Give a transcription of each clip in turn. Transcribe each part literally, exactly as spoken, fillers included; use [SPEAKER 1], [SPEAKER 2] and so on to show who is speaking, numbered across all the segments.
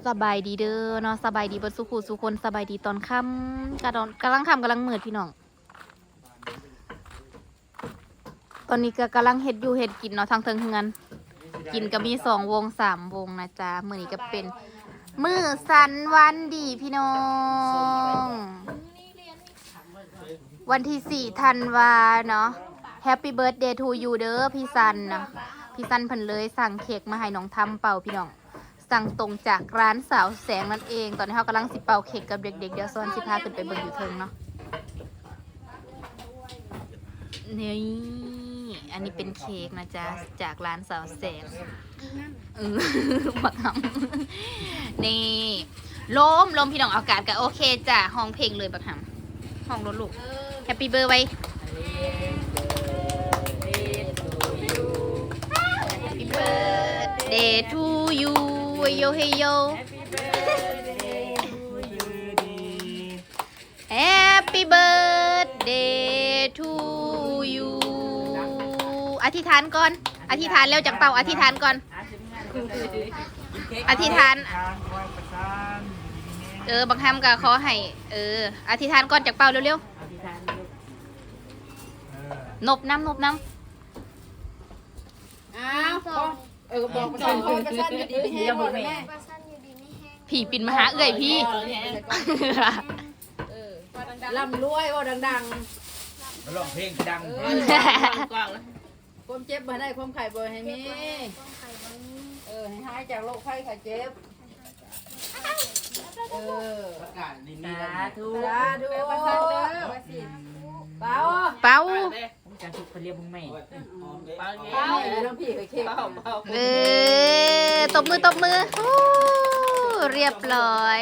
[SPEAKER 1] สบายดีเด้อเนาะสบายดีเบิดสุขุสุคนสบายดีตอนค่ำกระดอนกำลังค่ำกำลังมืดพี่น้องตอนนี้ก็กำลังเฮ็ดอยู่เฮ็ดกินเนาะทางเทิงเฮือนกินก็มีสองวงสามวงนะจ๊ะมื้อนี้ก็เป็นมื้อสันวันดีพี่น้องวันที่สี่ธันวาเนาะ Happy Birthday to you เด้อพี่ซันนะพี่ซันเพิ่นเลยสั่งเค้กมาให้น้องทำเป่าพี่น้องสั่งตรงจากร้านสาวแสงนั่นเองตอนนี้เขากำลังสิเป่าเค้กกับเด็กๆเดี๋ยวซ้อนสิพาขึ้นไปเบิ่งอยู่เทิงเนาะนี่อันนี้เป็นเค้กนะจ๊ะจากร้านสาวแสงเออบักหำนี่ลมลมพี่น้องอากาศก็โอเคจ้ะห้องเพลงเลยบักหำห้องรถลูกแฮปปี้เบอร์ไว้Happy birthday to you โยเฮโย Happy birthday to you อธิษฐานก่อนอธิษฐานแล้วจากเป่าอธิษฐานก่อนอธิษฐานเออบางคำก็ขอให้เอออธิษฐานก่อนจากเป่าเร็วๆนบน้ำนบน้ำ
[SPEAKER 2] อ้าวเออบอกประชันประชันอยู่ดีไม่แห้งบอกแม่
[SPEAKER 1] ผีปิ่นมาหาเอื่อยพี่
[SPEAKER 2] ลำรวยว่าดัง
[SPEAKER 3] ๆร้องเพลงดัง
[SPEAKER 2] ความเจ็บบ่ได้ความไข่บ่ให้มีเออให้หายจากโรคไข้ไข้เจ็บเออ
[SPEAKER 3] ประกาศดีมี
[SPEAKER 2] สาธุสาธุเปล่า
[SPEAKER 1] เป้า
[SPEAKER 4] ผมจะถูกเรียกมึงแม่
[SPEAKER 2] เปล่าน้องพี่เคยเค้ก
[SPEAKER 1] เออตบมือตบมือเรียบร้อย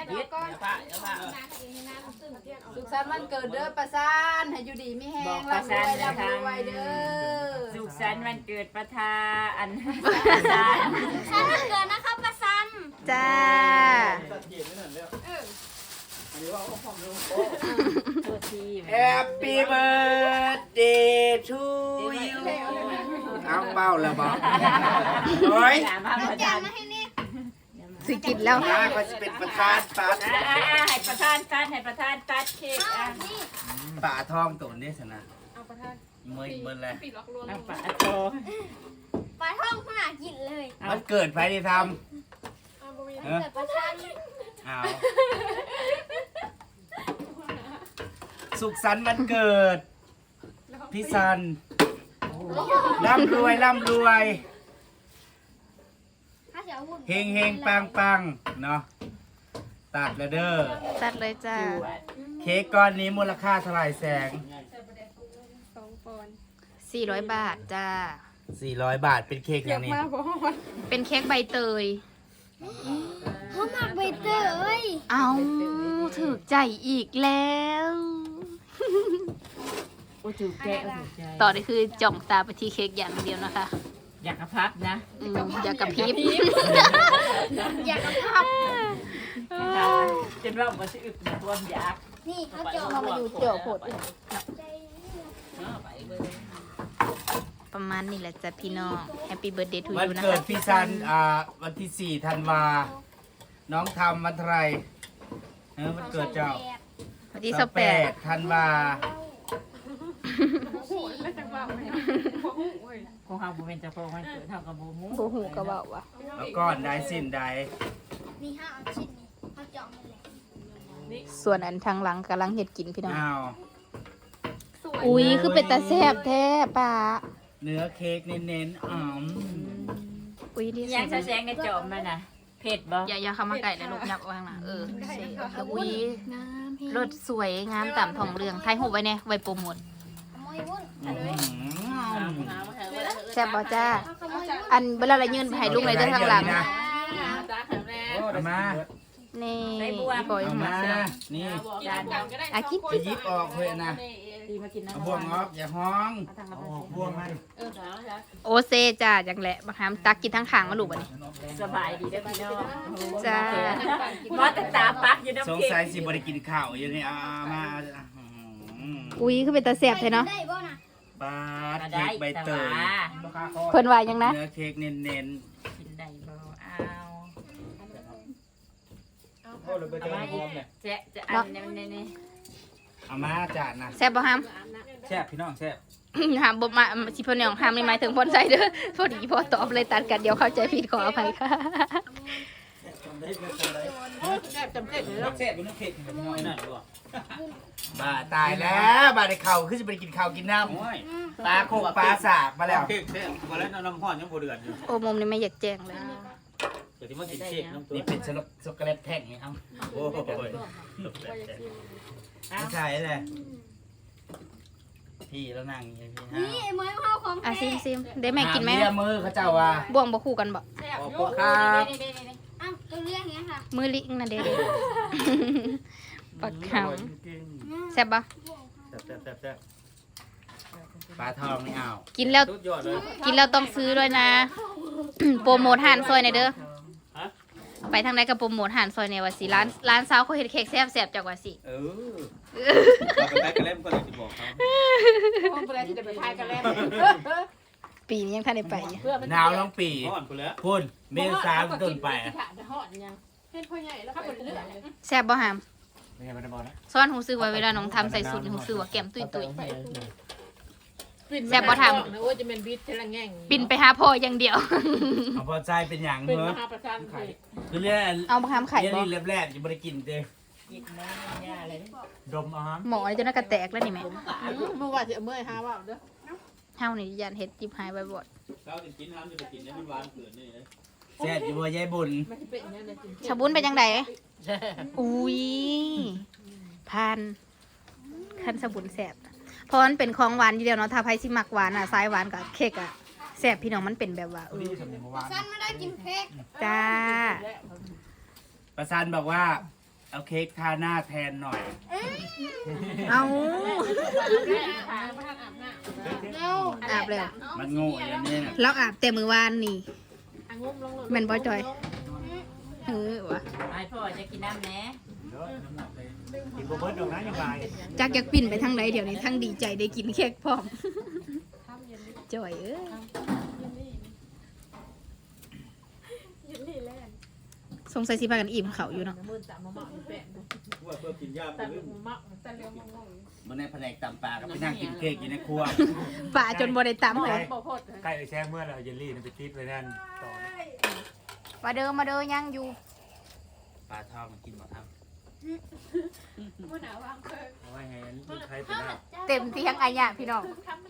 [SPEAKER 2] สุขสันต์วันเกิดเด้อประสานให้อยู่ดีไม่แห้งร่ำรวยร่ำรวยเด้อ
[SPEAKER 4] สุขสันต์วันเกิดประธานอัน
[SPEAKER 5] ประสานวันเกิดนะครับประสัน
[SPEAKER 1] จ้า
[SPEAKER 3] แฮปปี้เบิร์ดเดย์ทูยูเอาเป้าแล้วบอกโอ้ย
[SPEAKER 1] สิกินแล้ว
[SPEAKER 3] นะก็จะเป็นประธานตัด
[SPEAKER 4] ให้ประธานตัดให้ประธานตัดเค้ก
[SPEAKER 3] ป่าทองตัวนี้สินะเมื่อเมื่อไร
[SPEAKER 4] ป่าทอง
[SPEAKER 5] ปลาท่องขนาดกินเลย
[SPEAKER 3] มันเกิดใครได้ทำ
[SPEAKER 5] เกิดประชัน
[SPEAKER 3] เอาสุขสันต์วันเกิดพี่ซันร่ำรวยร่ำรวยเฮงเฮงปังปังเนาะตัดแล้วเด้อ
[SPEAKER 1] ตัดเลยจ้า
[SPEAKER 3] เค้กก้อนนี้มูลค่าเท่าไหร่แสง
[SPEAKER 1] สี่ร้อยบาทจ้า
[SPEAKER 3] สี่ร้อยบาทเป็นเค้กอย่างนี้
[SPEAKER 1] เป็นเค้กใบเตย
[SPEAKER 5] เขาหมักใบเตย
[SPEAKER 1] เอาถูกใจอีกแล้วต่อได้คือจ่องตาไปที่เค้กอย่างเดียวนะคะ
[SPEAKER 4] อยากกระพับนะ
[SPEAKER 1] อยากกระพริบ
[SPEAKER 5] อยากกระพับ
[SPEAKER 4] จนว่ามันจะอึดรวมอยาก
[SPEAKER 5] นี่เขาเจาะ
[SPEAKER 1] มาอยู่เจาะผดประมาณนี้แหละจ้ะพี่น้อง Happy Birthday to you
[SPEAKER 3] วันเกิดพี่ซันอ่าวันที่สี่ธันวาน้องทำวันไรเออวันเกิดเจ้า
[SPEAKER 1] วันที่สิบแปด
[SPEAKER 3] ธันวา
[SPEAKER 4] คงหาบุเป็นเจ้าของวันเกิดเท่ากับบุหู
[SPEAKER 1] บุหูกระเบาว่ะ
[SPEAKER 3] แล้วก้อนได้สิ้นได้
[SPEAKER 5] นี่ห้าชิ้นนี่เขาเจาะมาเลย
[SPEAKER 1] ส่วนอันทางหลังกำลังเห็ดกินพี่น้อง
[SPEAKER 3] อ้าว
[SPEAKER 1] อุ้ยคือเป็นตาแซ่บแท้ป่า
[SPEAKER 3] เนื้อเค้กเน้นๆอ๋อ
[SPEAKER 1] อุ้ยดี
[SPEAKER 4] ยังแสงในจอมมันนะเผ็ดบ่
[SPEAKER 1] อย่าอย่าเข้ามาไก่เลยลูกยับวางนะเอออุ้ยรสสวยงามต่ำทองเรืองไทยหูไว้เนี่ยไว้โปรโมทแซ่บบ่จ้าอันเวลาเรายืนให้ลุงเลยด้านข้างหลัง
[SPEAKER 3] มา
[SPEAKER 1] นี่
[SPEAKER 3] ปล่อยมานี่
[SPEAKER 1] อาคิด
[SPEAKER 3] ไปยิบออกเลยนะบ่วงออกอย่าห้องบ่วงให้
[SPEAKER 1] โอเซจ้าจังแหละบางครั้งตักกินทั้งขางมาลูกวันนี้
[SPEAKER 4] สบายดีได้พี่น้อง
[SPEAKER 1] จ้า
[SPEAKER 4] ว่าแต่ตาปักอยู่น้ำ
[SPEAKER 3] สงสัยสิบ่ได้กินข้าวอยู่นี่อ่ามา
[SPEAKER 1] อุ้ยคือเป็นตาแซ่บแท้เนาะ
[SPEAKER 3] ปาดเค้กใบเตย
[SPEAKER 1] เพิ่นว่ายังนะ
[SPEAKER 3] เนื้อเค้กเน้น
[SPEAKER 4] ๆกินได้บ่เอา
[SPEAKER 6] โอ้เราไปเจอพร้อมเนี่ย
[SPEAKER 4] แจะจะอันนี้นี่
[SPEAKER 3] เอามาจานนะ
[SPEAKER 1] แซ่บบ่ห้าม
[SPEAKER 6] แซ่บพี่น้องแซ่บ
[SPEAKER 1] ห้ามบ่มาสิเพิ่นน้องห้ามนี่หมายถึงพ่นใส่เด้อพอดีพอตอบเลยตัดกันเดี๋ยวเข้าใจผิดขออภัยค่ะ
[SPEAKER 4] แซ่บจำเจ็ดเลย
[SPEAKER 6] แซ่บเป็นน้ำเผ็ดพี่น้องนั่นด้วย
[SPEAKER 3] บ้าตายแล้วบ้าได้เข่าขึ้นจะไปกินข้าวกินน้
[SPEAKER 6] โอ้ย
[SPEAKER 3] ำปลาโคกปลาสากมาแล้ว
[SPEAKER 6] เค้กแซ่บมาแล้วน้ำห้อนยังบ่เดือดอยู่
[SPEAKER 1] โอ้มุมนี่ไม่อยากแจ้งเลย
[SPEAKER 6] เดี๋ยวที่มากินเค้กน้ำตัว
[SPEAKER 3] นี่เป็นช็อกโกแลตแท่งไงครับโอ้โหไม่ใช่เลยพี่แล้วนั่งอย่างนี้พี่
[SPEAKER 5] นี่ไอ้ไม้ข้าวของ
[SPEAKER 1] อ่ะ
[SPEAKER 5] แท้
[SPEAKER 1] ซิมซิมได้แม่กินไหม
[SPEAKER 3] เลียมือเขาเจ้าว่า
[SPEAKER 1] บ่วงบ่คู่กันบ่
[SPEAKER 3] ขอบคุณครับ
[SPEAKER 5] อ้าวตัวเรียกอย่างเงี้ยค่ะ
[SPEAKER 1] มือลิงน่ะเด้ปักขาวแซ่บบ่
[SPEAKER 6] แซ่บแซ่บแซ่บแซ่บ
[SPEAKER 3] ปลาทองไม่เอา
[SPEAKER 1] กินแล้ว
[SPEAKER 6] สุดยอดเลย
[SPEAKER 1] กินแล้วต้องซื้อด้วยนะ โปรโมทหานซอยหน่อยเด้อไปทางไหนก็โปรโมทหานซอยเนี่ยว่าสิร้านร้านสาวเขาเฮ็ดเค้กแซ่บๆจักว่าสิ
[SPEAKER 6] เออเราไปแบกกันเล่มก็เลยจะบอกเขา
[SPEAKER 4] ห้องไปแล้วจะไปพายกันแล้ว
[SPEAKER 1] ปีนี้ยังทันได้ไปอยู่
[SPEAKER 3] หนาวต้องปี
[SPEAKER 6] ห้อนกูแล้ว
[SPEAKER 3] พุ่นเมษาต้นไป
[SPEAKER 4] ห่อนยังเป็นพ่อใหญ่แล้วไปเรื่อย
[SPEAKER 1] แซ่บบ่หาม
[SPEAKER 6] ไม่ใช่ไม่ได้บอกนะ
[SPEAKER 1] ซ้อนหูซื้อไว้เวลาน้องทำใส่สูตรหูซื้อว่าแก้มตุ้ยๆแซ่บบ่ทำ
[SPEAKER 4] นะว่าจะเป็นบิดเทลังแง่ง
[SPEAKER 1] บินไปหาพ่ออย่างเดียว
[SPEAKER 3] เอาพอใจเป็นอย่าง
[SPEAKER 4] เป็น
[SPEAKER 3] เน
[SPEAKER 4] ม
[SPEAKER 3] อะ
[SPEAKER 4] หาประชาไทย
[SPEAKER 3] คือเรื่อง
[SPEAKER 1] เอามาทำไข่
[SPEAKER 3] เรื่อง
[SPEAKER 1] บ่
[SPEAKER 3] นี้แรกๆจะไม่ได้กินเด้
[SPEAKER 4] กินน้ำยาอะไร
[SPEAKER 6] ดมอาหาร
[SPEAKER 1] หมอนี่จนน่ากระแตกแล้วนี่แม่
[SPEAKER 4] เมื่อวานจะเมื่อยหาว่าเด้อ
[SPEAKER 1] เฮานี่ยันเฮ็ดจิบหายไว้บ่
[SPEAKER 6] เราจะกินน้ำจะไปกินเนี่ยมันหวานเกินนี่เลย
[SPEAKER 3] แซ่บอยู่บ่ยายบุญ
[SPEAKER 4] มันจะเป็นอย่างนี้เลยจริง
[SPEAKER 1] ชาบุญเป็นจังไดอุ้ยพันคันสบุญแซ่บเพราะมันเป็นของหวานอยู่เดียวเนาะถ้าไผสิมักหวานอ่ะสายหวานกับเค้กอ่ะแซ่บพี่น้องมันเป็นแบบว่าเออ
[SPEAKER 6] นี่สำเนียงเมื่อวาน
[SPEAKER 5] สั้นไม่ได้กินเค้ก
[SPEAKER 1] จ้า
[SPEAKER 3] ประสานบอกว่าเอาเค้กทาหน้าแทนหน่อย
[SPEAKER 1] เอา
[SPEAKER 5] เร็ว
[SPEAKER 1] อาบแล้ว
[SPEAKER 3] มันโง่อย่างนี้นะ
[SPEAKER 1] เราอาบแต่มื้อวานนี่
[SPEAKER 4] อ่ะงมลง
[SPEAKER 1] แม่นบ่จอยเออวะ
[SPEAKER 4] ไอ้พ่อจะกินน้ำแหน่
[SPEAKER 6] กินโบเบิร์ดดอกนะยังไง
[SPEAKER 1] จักอยากปิ่นไปทางใดเดี๋ยวนี้ทั้งดีใจได้กินเค้กพร้อมจอยเอ้ยสงสัยสิพากันอิ่มเขาอยู่เนาะ
[SPEAKER 4] มือตามมาหมักแปะ
[SPEAKER 6] ว่าเพื่อกินยา
[SPEAKER 4] แต่
[SPEAKER 6] ปืน
[SPEAKER 4] หมักแต่เร็วมาก
[SPEAKER 3] มันในแผนกตำปลากับไปนั่งกินเค้กอยู่ในครัว
[SPEAKER 1] ป่าจนบ่ได้ตำเลย
[SPEAKER 4] บ่พด
[SPEAKER 6] ใกล้ไปแช่เมื่อเราเยลลี่ไปติดไว้นั่นต่อ
[SPEAKER 1] มาเด้อมาเด้อยังอยู่
[SPEAKER 3] ปลาทองกินหมดครับ
[SPEAKER 6] เอาไว้ให้ลูกใครเป็นหน้า
[SPEAKER 1] เต็มที่ทั้งอายะพี่น้อง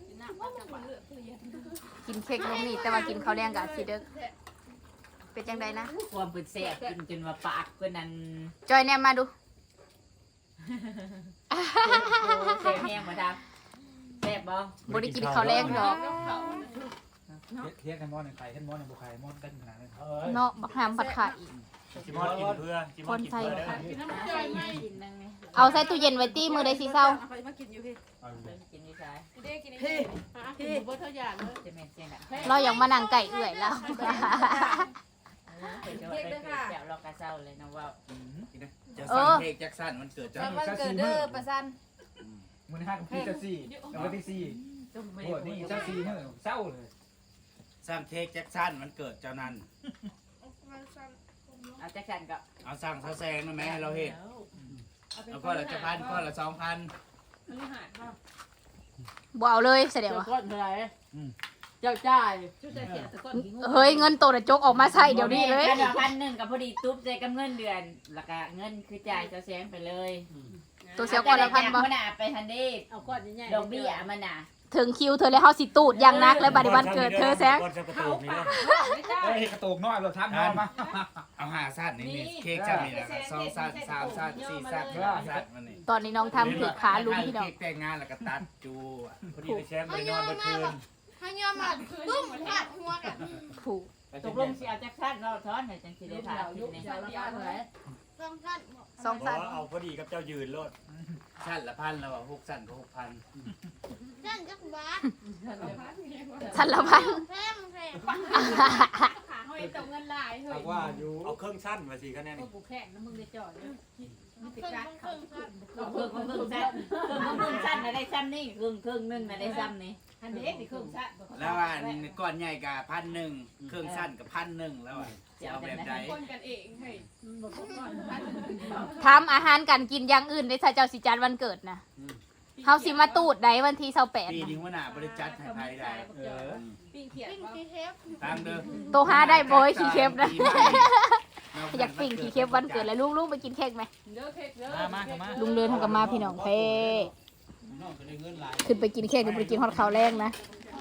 [SPEAKER 1] กินเค้กลงนี่แต่ว่ากินข้าวแดงกับสิเด้อเป็นจังไดนะ
[SPEAKER 4] ความเป็นแสบกินจนว่าปากเพื่อนนั้น
[SPEAKER 1] จอยแนมมาดู
[SPEAKER 4] แสบแห้งมาดับแสบบ่
[SPEAKER 1] บ่ได้กินข้าวแรงดอก
[SPEAKER 6] เทียบกันมอหนึ่งไข่ขึ้นมอหนึ่งบุไข่มอกันขนาดนั้น
[SPEAKER 1] เนาะบักหามผัดขาอีก
[SPEAKER 6] จิมอนกินเพื่อจิมอนกินเพื่อได้
[SPEAKER 4] กินน้ำใจไม่กินนั่งนี่
[SPEAKER 1] เอาใส่ตู้เย็นไว้ตี้มือใดสิเศร้า
[SPEAKER 4] กินอยู่ใช่
[SPEAKER 2] พี่
[SPEAKER 4] พี่บ่เท่าอย่างเลยจะแม่นเสียงดัง
[SPEAKER 1] เราอยากมานั่งไก่เอื่อยแล้ว
[SPEAKER 4] เดี๋ยวเดี๋ยวเรากระเซ้าเลยนะว่า
[SPEAKER 3] จะสั่งเค้กแจ็คสันมันเกิดจาก
[SPEAKER 2] วันเกิดเด้อประสัน
[SPEAKER 6] มือห้ากับพี่จะสี่แล้วที่สี่โอ้นี่เจ้าสี่เนี่ยเศร้าเลย
[SPEAKER 3] สั่งเค้กแจ็คสันมันเกิดเจ้านั้น
[SPEAKER 4] เอาแจ็คสันก็
[SPEAKER 3] เอาสั่งเสาแซงได้ไหมให้เราเห็นแล้วก็ละจะพันก็ละสองพัน
[SPEAKER 1] บ่เอาเลยเสียเดี๋ยว
[SPEAKER 4] เจ้า
[SPEAKER 1] อะ
[SPEAKER 4] ก้อนเท่าไหร่เจ้าจ่าย
[SPEAKER 1] เฮ้ยเงินโตน่ะจกออกมาใส่เดี๋ยวนี้เลย
[SPEAKER 4] เดือนพันหนึ่งกับพอดีตุ๊บใจกับเงินเดือนแล้วก็เงินคือจ่ายเจ้าแซงไปเลย
[SPEAKER 1] ตัวเสียก่อนละพันบ่
[SPEAKER 4] มันน่ะไปทันเด้เอาก้อนใหญ่ดอกเบี้ยมันน่ะ
[SPEAKER 1] ถึงคิวเธอแล้วเฮาสิตูดอย่างนักแล้วบัดนี้วันเกิดเธอแซง
[SPEAKER 6] ก้อนจะกระตุกนี่เฮ้ยกระตุกน้อยเราทับน้อยมา
[SPEAKER 3] เอาห้าสั้นนี่นี่เค้กจะมีนะครับสองสั้นสามสั้นสี่สั้นห้าสั้นมันนี่
[SPEAKER 1] ตอนนี้น้องทำถือขาลุงพี่น้อง
[SPEAKER 3] เค้กแต่งงานแล้วก็ตัดจูอะ
[SPEAKER 6] พอดีไปแช่ไปนอนเมื่อคืน
[SPEAKER 5] ให้ยอมมาตุ้มหัดหัวกัน
[SPEAKER 1] ผูก
[SPEAKER 4] ตกลงสิเอาแจ็คสันเราซ้อนให้จังสิได้ถามอยู่ใน
[SPEAKER 5] สองสั้นบอก
[SPEAKER 1] สองสัน
[SPEAKER 6] เอาพอดีกับเจ้ายืนรถ
[SPEAKER 3] สั้นละพันแล้วหกสั้นก็หกพัน
[SPEAKER 5] สั้นจักบาท
[SPEAKER 1] สันละพัน
[SPEAKER 5] แพงแพง
[SPEAKER 6] เอาว่าอยู่เอาเครื่องสั้นมาสิคะแนน
[SPEAKER 4] กูแข่งนะมึงได้จอดเพิ่งเพิ่งเพิ่งสั้นเพิ่งเพิ่งสั้นนะได้ซ้ำนี่ครึ่งครึ่งนึงนะได้ซ้ำนี่
[SPEAKER 2] อันเด็กนี่ครึ่งซะ
[SPEAKER 3] แล้วอันก้อนใหญ่กับพันหนึ่งเครื่องสั้นกับพันหนึ่งแล้วอ่ะจะเอาแบบใด
[SPEAKER 2] คนกันเองเฮ้ยบอกก่อน
[SPEAKER 1] ทำอาหารกันกินอย่างอื่นได้ถ้าเจ้าสิจัดวันเกิดนะเฮาสิมาตูดได้วันที่ยี่สิบแปด
[SPEAKER 3] ปี
[SPEAKER 1] นะ
[SPEAKER 3] นี้หัวหน้าบริจัดให้ไทยได้
[SPEAKER 6] เออ
[SPEAKER 2] ปิ้งเขียด
[SPEAKER 5] ปิ้ง
[SPEAKER 2] ว่า
[SPEAKER 5] กีเทป
[SPEAKER 3] ตามเด้อ
[SPEAKER 1] โตหาได้บ่อยขี้เค็บนะ อยากปิ่งขี้เค็บวันเกิดแล้วลุงๆไปกินเค้กไหม
[SPEAKER 2] เด้อเค้กเด้อ
[SPEAKER 6] มามามา
[SPEAKER 1] ลุงเดินทางกับมาพี่น้องเพ่ขึ้นไปกินเค้กหรือไปกินฮอตข้าวแรงนะ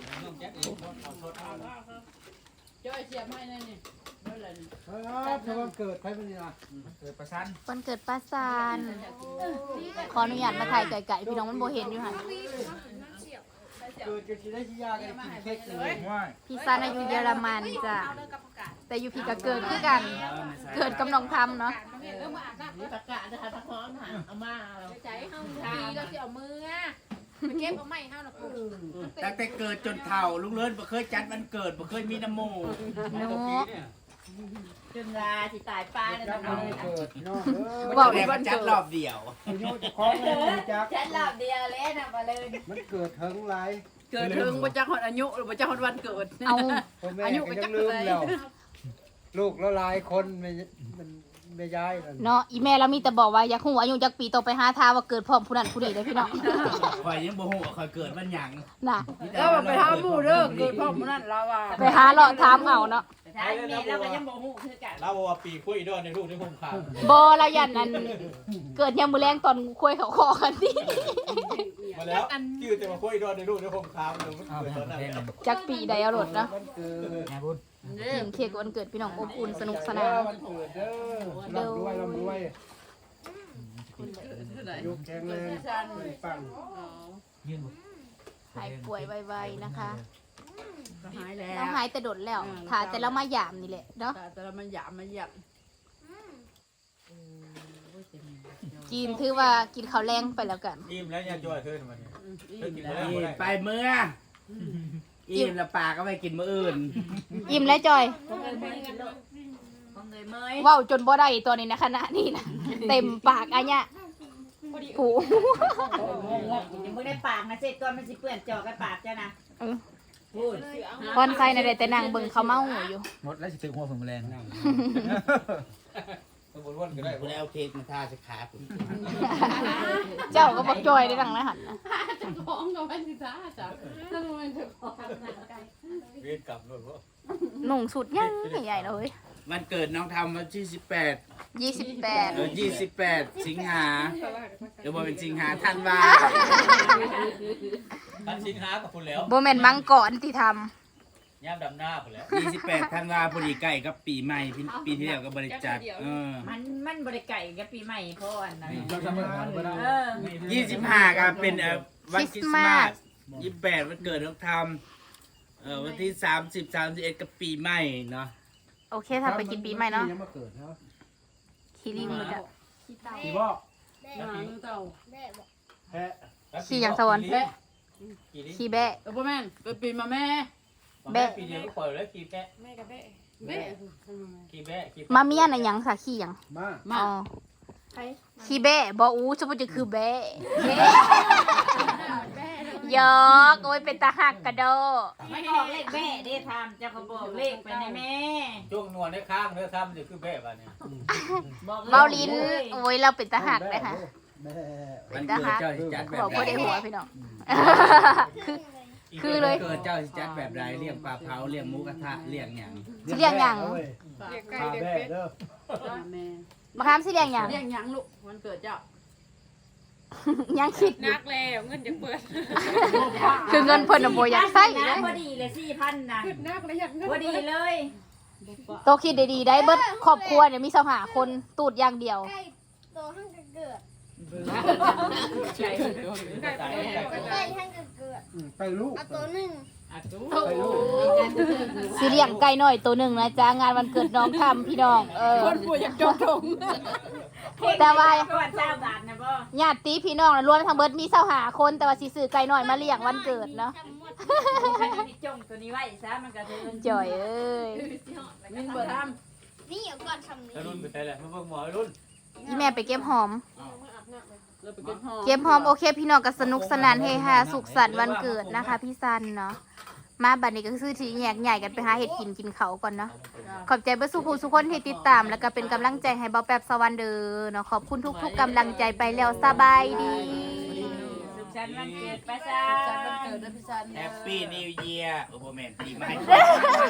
[SPEAKER 2] จ้อยเสียบให้นั่นนี่เด้อเลย
[SPEAKER 7] เออถ้าวันเกิดใครเป็นยังไง
[SPEAKER 6] เกิดประชัน
[SPEAKER 1] วันเกิดป้าซานขออนุญาตมาถ่ายไก่ๆพี่น้องมันโบเห็นอยู่ค่ะ
[SPEAKER 7] เกิดกันที่ได้ที่ยากันกินเค้กเลย
[SPEAKER 6] ว่า
[SPEAKER 1] พี่ซานอายุเยอรมันจ้ะแต่อยู่พี่ก็เกิดคือกัน เกิดกำนองทำเนาะ
[SPEAKER 2] เออมาอาบน้ำ
[SPEAKER 4] ตะกะนะคะตะพร้อมหาเอามาเรา
[SPEAKER 2] ใจเฮาดีก็สิเอามือไปเก็บเอาไม้เฮาน่ะกู
[SPEAKER 3] ตั้งแต่เกิดจนเฒ่าลุงเลิศบ่เคยจัดวันเกิดบ่เคยมีน้ำโม
[SPEAKER 1] เนาะ
[SPEAKER 4] จนลาสิตายป้าเนี่ย
[SPEAKER 7] จั
[SPEAKER 4] นะ
[SPEAKER 7] ดวันเกิดน้องเด้อ
[SPEAKER 3] บอกเลยว่าจัดรอบเดียว
[SPEAKER 7] อายุจะคล้องเลยจัก
[SPEAKER 4] ฉันหลับเดียวเลยนะมาเลย
[SPEAKER 7] มันเกิดถึงไร
[SPEAKER 2] เกิดถึงบ่จักฮอดอายุหรือบ่จักฮอดวันเกิด
[SPEAKER 1] เอา
[SPEAKER 7] พ่อแม่ก็ยังลืมแล้วลูกละลายคนไม่มันไม่ย้ายนั่น
[SPEAKER 1] เนาะอีแม่เรามีแต่บอกว่าอยากหูอายุจักปีโตไปหาทาว่าเกิดพร้อมผู้นั้นผู้นี้เลยพี่น้อง
[SPEAKER 3] ข่อยยังบ่ฮู้ว่าข่อยเกิดวันหยัง
[SPEAKER 1] น่ะ
[SPEAKER 2] เออไปหาหมู่เด้อเกิดพร้อมมื้อนั้นเราอ่ะ
[SPEAKER 1] ไปหาเลาะถามเอาเนาะ
[SPEAKER 4] แต่ท้ายแม่เราก็ยังบ่ฮู้คือกัน
[SPEAKER 6] เราบอกว่าปีคุยดอนในลูกในห้องข่าว
[SPEAKER 1] บอเรายันอันเกิดยามมือแรงตอนคุยเขาคอกันที่
[SPEAKER 6] มาแล้วยืดแต่มาคุยดอนในลูกในห้องข่าวเลยมันเกิดตอนนั้น
[SPEAKER 1] จักปีใดเอารถเนาะ
[SPEAKER 7] วันเกิด
[SPEAKER 6] ไงบุญ
[SPEAKER 1] กินเค้กวันเกิดพี่น้องอบอุ่นสนุกส
[SPEAKER 7] เด้
[SPEAKER 1] นา
[SPEAKER 7] อน วันเกิดเด้อร่ำรวยร่ำรวยยุคแข็งแรงปัง
[SPEAKER 6] ยืนบุญ
[SPEAKER 1] หายป่วยไวๆนะคะ
[SPEAKER 2] ก็หายแล้
[SPEAKER 1] เรา
[SPEAKER 2] ว
[SPEAKER 1] หายแต่โดดแล้วถ่าแต่เรามาหยามนี่แหละเนาะ
[SPEAKER 2] แต่เรามันหยามมันหยับ
[SPEAKER 1] กินถือว่ากินข้าวแรงไปแล้วกัน
[SPEAKER 6] อิ่มแล้วยังจอยขึ้นมาเนี่ยเลิกกินแล้ว
[SPEAKER 3] นี่ไปเมื่ออิ่มแล้วปากก็ไปกินมื้ออื่น
[SPEAKER 1] อิ่มแล้วจอย
[SPEAKER 4] ของเงยเมยกันลูกของเงยเมย
[SPEAKER 1] เว้าจนบ่ได้ตัวนี้นะขณะนี้นะเต็มปากอันเนี้ยผู
[SPEAKER 4] ยังไม่ได้ปากนะเสร็จก่อนมันสิเปื้อนจอกกับปากจ้ะนะพูด
[SPEAKER 1] คอนไซน่ะได้แต่นั่งเบิ่งเขาเมาอยู่
[SPEAKER 6] หมดแล้วสิถึงหัวผมแรงสมบูรณ์วันก็ได้
[SPEAKER 3] บ่ได้เอาเค้กมาทาสิขาผม
[SPEAKER 1] เจ้าก็บอกจอยได้ดังนะหันนะ
[SPEAKER 2] ของกับมันสิจ้าจ้ะนั่นมันถูก
[SPEAKER 6] เวียนกลับเลยเพราะ
[SPEAKER 1] หนุ่งสุดยังใหญ่ๆเลย
[SPEAKER 3] วันเกิดน้องทำวันที่สิบแปด
[SPEAKER 1] ยี่สิบแปด
[SPEAKER 3] เออยี่สิบแปดสิงหาเดี๋ยวบ่เป็นสิงหาธันวา
[SPEAKER 6] ท่านสินค้ากับคุณแล้ว
[SPEAKER 1] โบแมนมังกรที่ท
[SPEAKER 6] ย่ามดำหน้าคุณแล้ว
[SPEAKER 3] ยี่สิบแปดธันวาพอดีใกล้กับปีใหม่ปีปีที่แล้วก็บริจาคเออ
[SPEAKER 4] มันมันบริไก่กับปีใหม่พ่ออันนั้น
[SPEAKER 6] เราทำอะไรก็ได้
[SPEAKER 4] เออ
[SPEAKER 3] ยี่สิบห้าก็เป็นเอ่อวันคริสต์มาสยี่สิบแปดวันเกิดน้องทำเอ่อวันที่สามสิบสามสิบเอ็ดก็ปีใหม่เนาะ
[SPEAKER 1] ำโอเคถ้าไปกินปีใหม่เนาะ
[SPEAKER 7] ยังมาเกิดเนาะ
[SPEAKER 1] คีรีมือจะ
[SPEAKER 7] พี่บอก
[SPEAKER 5] แม่
[SPEAKER 2] เต่า
[SPEAKER 5] แม่บอก
[SPEAKER 7] แพะ
[SPEAKER 1] ขี่อย่างสวรรค์ขี่แบะ
[SPEAKER 2] เออพ่อแม่เกิดปีมาแม่
[SPEAKER 6] แม่ปีเดียวก็ปล่อยแล้วขี่แบะ
[SPEAKER 2] แม่กับแม่แม่
[SPEAKER 6] ขี่แบะขี่
[SPEAKER 1] มาเมียน่ะหยังค่ะขี่หยัง
[SPEAKER 7] มา
[SPEAKER 2] มา
[SPEAKER 1] อ๋อขี่แบะบออูสมมติจะคือแบะยอกโอ้ยเป็นตาหักกระโด
[SPEAKER 4] ไม่ออกเลขแม่ได้ทำเจ้าก็บอกเลขไปในแม่
[SPEAKER 6] ช่วงนวลในข้างเนื้อทำจะคือแบะบ้านเนี่ย
[SPEAKER 4] บอก
[SPEAKER 1] เบาลิ้นโอ้ยเราเป็นตาหักเลยค่ะ
[SPEAKER 7] แม่
[SPEAKER 3] วันเกิดเจ้าสิจัดแบบ
[SPEAKER 1] บอก
[SPEAKER 3] ใด
[SPEAKER 1] พ่อได้หัวพี่น้อง คือ
[SPEAKER 3] คื
[SPEAKER 1] คือเลย
[SPEAKER 3] เกิดเจ้าสิจัดแบบใดเลี้ยงปลาเผาเลี้ยงหมูกระทะเลี้ยงหยัง
[SPEAKER 1] สิเรียกหยัง
[SPEAKER 2] เรียกไก่
[SPEAKER 7] พา
[SPEAKER 2] เด็ก
[SPEAKER 7] แม่
[SPEAKER 2] เป็ด
[SPEAKER 7] เด้อ
[SPEAKER 2] แม่
[SPEAKER 1] มาค้ามสิเรียกหยัง
[SPEAKER 2] เรียกหยังลูกวันเกิดเจ้า
[SPEAKER 1] ยังคิดอยู่
[SPEAKER 8] นักแล้วเงินจะเปิด
[SPEAKER 1] คือเงินเพิ่นน่ะบ่อยากใช้เล
[SPEAKER 4] นะ
[SPEAKER 1] ย
[SPEAKER 4] พอดีเลยสี่พันนะ
[SPEAKER 8] นักแล้วอยากเงิน
[SPEAKER 4] พอดีเลย
[SPEAKER 1] โตคิดดีๆได้เบิดครอบครัวเนี่ยมีสหาคนตูดอย่างเดียว
[SPEAKER 5] ใกล้โตห้างจะเกิด
[SPEAKER 8] ไก่ไก่
[SPEAKER 5] ใกล้ห้างจะเกิด
[SPEAKER 7] ไปลูก
[SPEAKER 5] เอาตัวหนึ่ง
[SPEAKER 7] ไปลูก
[SPEAKER 1] สิเลี้ยงไก่น้อยตัวหนึ่งนะจ๊ะงานวันเกิดน้องทำพี่น้องเออ
[SPEAKER 2] คนป่วยอยากจมถง
[SPEAKER 1] แต่ว่า
[SPEAKER 4] ก่อนเจ้าบาทนะบ่
[SPEAKER 1] ญาติพี่น้องน่ะรวมทั้งเบิดมีสหาคนแต่ว่าสิซื้อไก่น้อยมาเลี้ยงวันเกิดเนาะ
[SPEAKER 5] จำหมด
[SPEAKER 4] คันนี้จงตัวนี้ไว้ซะมันก็เทิน
[SPEAKER 1] จ่อยเอ้ย
[SPEAKER 2] มินเบิดท
[SPEAKER 5] นี่เอาก่อนทำนี้
[SPEAKER 6] รุ่นไปแต่แหละมาเบิ่งหมอรุ่น
[SPEAKER 1] อีแม่ไปเก็บหอม
[SPEAKER 2] เราไปเก็บหอม
[SPEAKER 1] เก็บหอมโอเคพี่น้องก็สนุกสนานเฮฮาสุขสันต์วันเกิดนะคะ พี่ซันเนาะมาบัดนี้ก็คือที่แยกใหญ่กันไปหาเห็ดกินกินเขาวก่อนเนาะขอบใจเบอร์สุขูสุคนที่ติดตาม แล้วก็เป็นกำลังใจให้เบาแป๊บสวรรค์เด้อเนาะขอบคุณทุกๆกำลังใจไปแล้วสบายดี
[SPEAKER 4] สุขสันต์วันเกิดป้าซา
[SPEAKER 2] จัดวันเกิดเด้อพี่ซัน
[SPEAKER 3] แฮปปี้นิวเยียร์โอ้โหแมนปีใหม่